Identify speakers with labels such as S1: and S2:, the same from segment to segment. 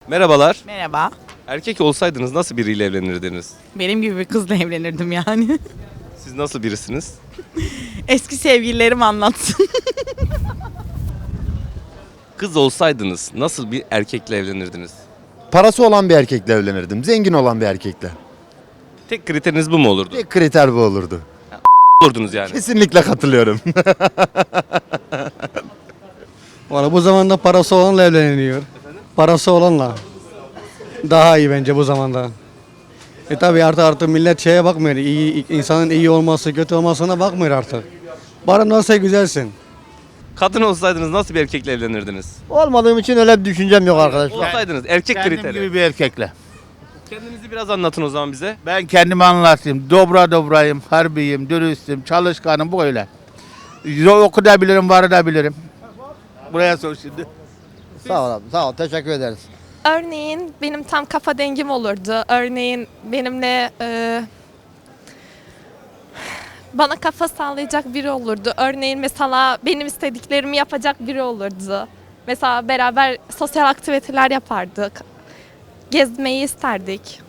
S1: Merhabalar.
S2: Merhaba.
S1: Erkek olsaydınız nasıl biriyle evlenirdiniz?
S2: Benim gibi bir kızla evlenirdim yani.
S1: Siz nasıl birisiniz?
S2: Eski sevgililerim anlatsın.
S1: Kız olsaydınız nasıl bir erkekle evlenirdiniz?
S3: Parası olan bir erkekle evlenirdim. Zengin olan bir erkekle.
S1: Tek kriteriniz bu mu olurdu?
S3: Tek kriter bu olurdu.
S1: Olurdunuz yani.
S3: Kesinlikle katılıyorum.
S4: Valla bu zamanda parası olanla evleniliyor. Parası olanla. Daha iyi bence bu zamanda. Tabi artık millet şeye bakmıyor. İnsanın iyi olması, kötü olmasına bakmıyor artık. Bana nasıl güzelsin.
S1: Kadın olsaydınız nasıl bir erkekle evlenirdiniz?
S5: Olmadığım için öyle bir düşüncem yok arkadaşlar.
S1: Olsaydınız erkek
S6: Kendim
S1: kriteri.
S6: gibi bir erkekle.
S1: Kendinizi biraz anlatın o zaman bize.
S6: Ben kendimi anlatayım. Dobrayım, harbiyim, dürüstüm, çalışkanım bu öyle. Okuyabilirim, varabilirim. Buraya sor şimdi.
S5: Sağ ol abi, sağ ol. Teşekkür ederiz.
S7: Örneğin benim tam kafa dengim olurdu. Örneğin benimle bana kafa sağlayacak biri olurdu. Örneğin mesela benim istediklerimi yapacak biri olurdu. Mesela beraber sosyal aktiviteler yapardık. Gezmeyi isterdik.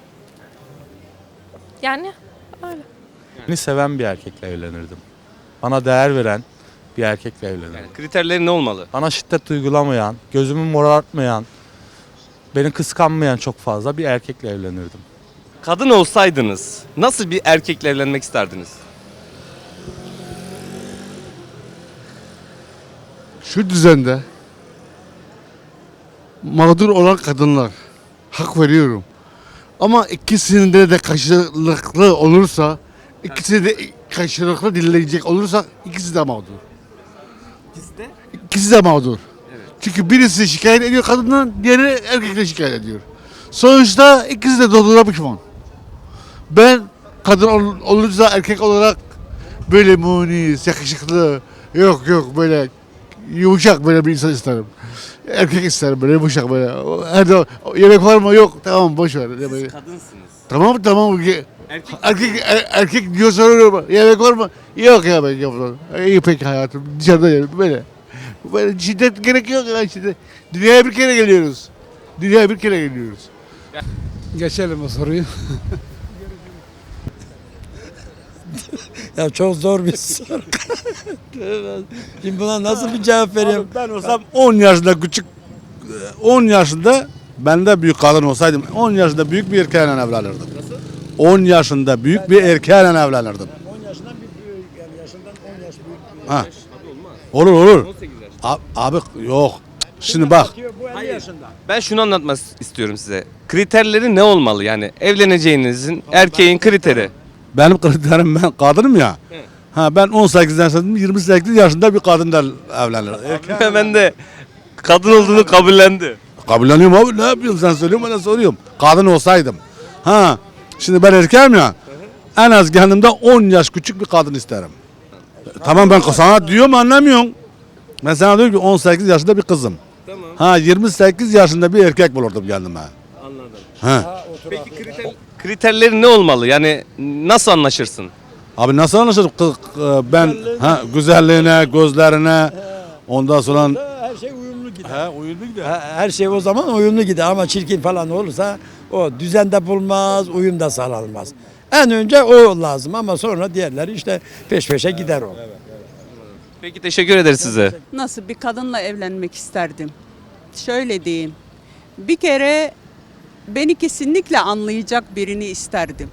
S7: Yani öyle.
S8: Beni seven bir erkekle evlenirdim. Bana değer veren bir erkekle evlenirdim.
S1: Yani kriterleri ne olmalı?
S8: Bana şiddet uygulamayan, gözümü morartmayan, beni kıskanmayan çok fazla bir erkekle evlenirdim.
S1: Kadın olsaydınız nasıl bir erkekle evlenmek isterdiniz?
S9: Şu düzende mağdur olan kadınlar, hak veriyorum. Ama ikisinde de karşılıklı olursa, ikisi de karşılıklı dinleyecek olursa ikisi de mağdur. İkisi de mağdur. Çünkü birisi şikayet ediyor kadından, diğeri erkekle şikayet ediyor. Sonuçta ikisi de doğduğuna pişman. Ben kadın olursa erkek olarak böyle munis, yakışıklı, yok böyle yumuşak böyle bir insan isterim. Erkek isterim böyle yumuşak böyle. Her zaman yemek var mı? Yok. Tamam boş ver.
S1: Siz kadınsınız.
S9: Tamam.
S1: Erkek
S9: Erkek diyor soruyorum. Yemek var mı? Yok ya ben yapmam. İyi peki hayatım. Dışarıda yerim böyle. Böyle şiddet gerek yok ya şiddet. Dünyaya bir kere geliyoruz.
S4: Geçelim o soruyu. Ya çok zor bir soru. Şimdi buna nasıl bir cevap vereyim?
S9: Ben olsam 10 yaşında küçük 10 yaşında ben de büyük kadın olsaydım 10 yaşında büyük bir erkeğle evlenirdim. Nasıl? 10 yaşında büyük bir erkeğle evlenirdim.
S4: 10 yaşından bir büyük yani yaşından 10 yaş büyük.
S9: Ha. Olur. Abi yok. Şimdi bak.
S4: Bu 50 yaşında.
S1: Ben şunu anlatmak istiyorum size. Kriterleri ne olmalı? Yani evleneceğinizin erkeğin kriteri.
S9: Benim kriterim ben kadınım ya. Ha ben 18 yaşında 28 yaşında bir kadınla evlenirim.
S1: Ben de kadın olduğunu kabullendi.
S9: Kabulleniyorum abi ne yapıyorsun sen söylüyorsun bana soruyorum. Kadın olsaydım. Ha şimdi ben erkeğim ya. En az kendimde 10 yaş küçük bir kadın isterim. Tamam ben sana diyorum anlamıyorsun. Ben sana diyorum ki 18 yaşında bir kızım.
S1: Tamam.
S9: Ha 28 yaşında bir erkek bulurdum kendime.
S1: Anladım.
S9: Ha.
S1: Peki kriterleri ne olmalı? Yani nasıl anlaşırsın?
S9: Abi nasıl anlaşılır? Ben güzelliğine, gözlerine ondan sonra
S4: Her şey uyumlu gider.
S9: uyumlu gider.
S4: Her şey o zaman uyumlu gider ama çirkin falan olursa o düzende bulmaz, uyum da sağlanmaz. En önce o lazım ama sonra diğerleri işte peş peşe gider o.
S1: Peki teşekkür ederiz size.
S10: Nasıl bir kadınla evlenmek isterdim? Şöyle diyeyim. Bir kere beni kesinlikle anlayacak birini isterdim.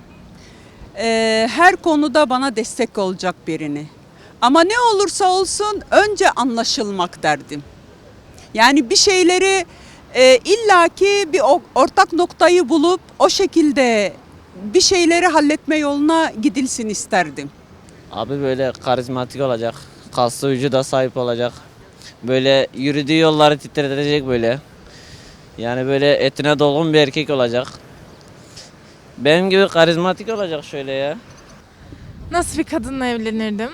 S10: Her konuda bana destek olacak birini. Ama ne olursa olsun önce anlaşılmak derdim. Yani bir şeyleri illaki bir ortak noktayı bulup o şekilde bir şeyleri halletme yoluna gidilsin isterdim.
S11: Abi böyle karizmatik olacak. Kaslı vücuda sahip olacak. Böyle yürüdüğü yolları titretecek böyle. Yani böyle etine dolgun bir erkek olacak. Benim gibi karizmatik olacak şöyle ya.
S7: Nasıl bir kadınla evlenirdim?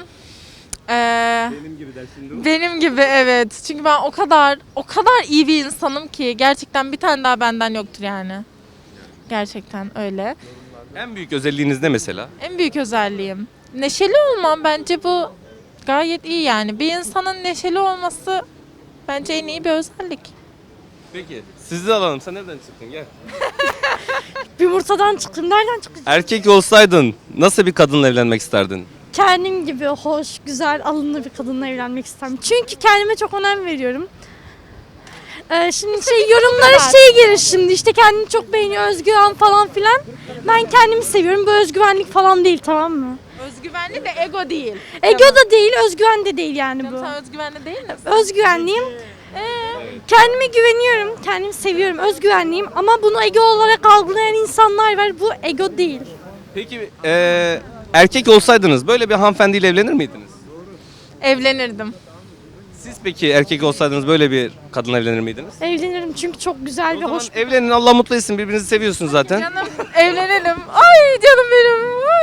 S7: Benim gibi evet. Çünkü ben o kadar iyi bir insanım ki gerçekten bir tane daha benden yoktur yani. Gerçekten öyle.
S1: En büyük özelliğiniz ne mesela?
S7: En büyük özelliğim neşeli olmam, bence bu gayet iyi yani. Bir insanın neşeli olması bence en iyi bir özellik.
S1: Peki Sizi de alalım. Sen nereden çıktın? Gel.
S12: Yumurtadan çıktım. Nereden çıktım?
S1: Erkek olsaydın nasıl bir kadınla evlenmek isterdin?
S12: Kendim gibi hoş, güzel, alımlı bir kadınla evlenmek isterim. Çünkü kendime çok önem veriyorum. Şimdi yorumlara gelir şimdi işte kendini çok beğeniyor, özgüven falan filan. Ben kendimi seviyorum. Bu özgüvenlik falan değil, tamam mı?
S2: Özgüvenli de ego değil.
S12: Ego da değil, özgüven de değil yani bu.
S2: Sen özgüvenli değil misin?
S12: Özgüvenliyim. Kendime güveniyorum, kendimi seviyorum, özgüvenliyim ama bunu ego olarak algılayan insanlar var. Bu ego değil.
S1: Peki erkek olsaydınız böyle bir hanımefendiyle evlenir miydiniz?
S2: Evlenirdim.
S1: Siz peki erkek olsaydınız böyle bir kadınla evlenir miydiniz?
S12: Evlenirim çünkü çok güzel
S1: O
S12: ve
S1: zaman
S12: hoş.
S1: evlenin, Allah mutlu etsin, birbirinizi seviyorsunuz zaten.
S2: Canım evlenelim. Ay canım benim.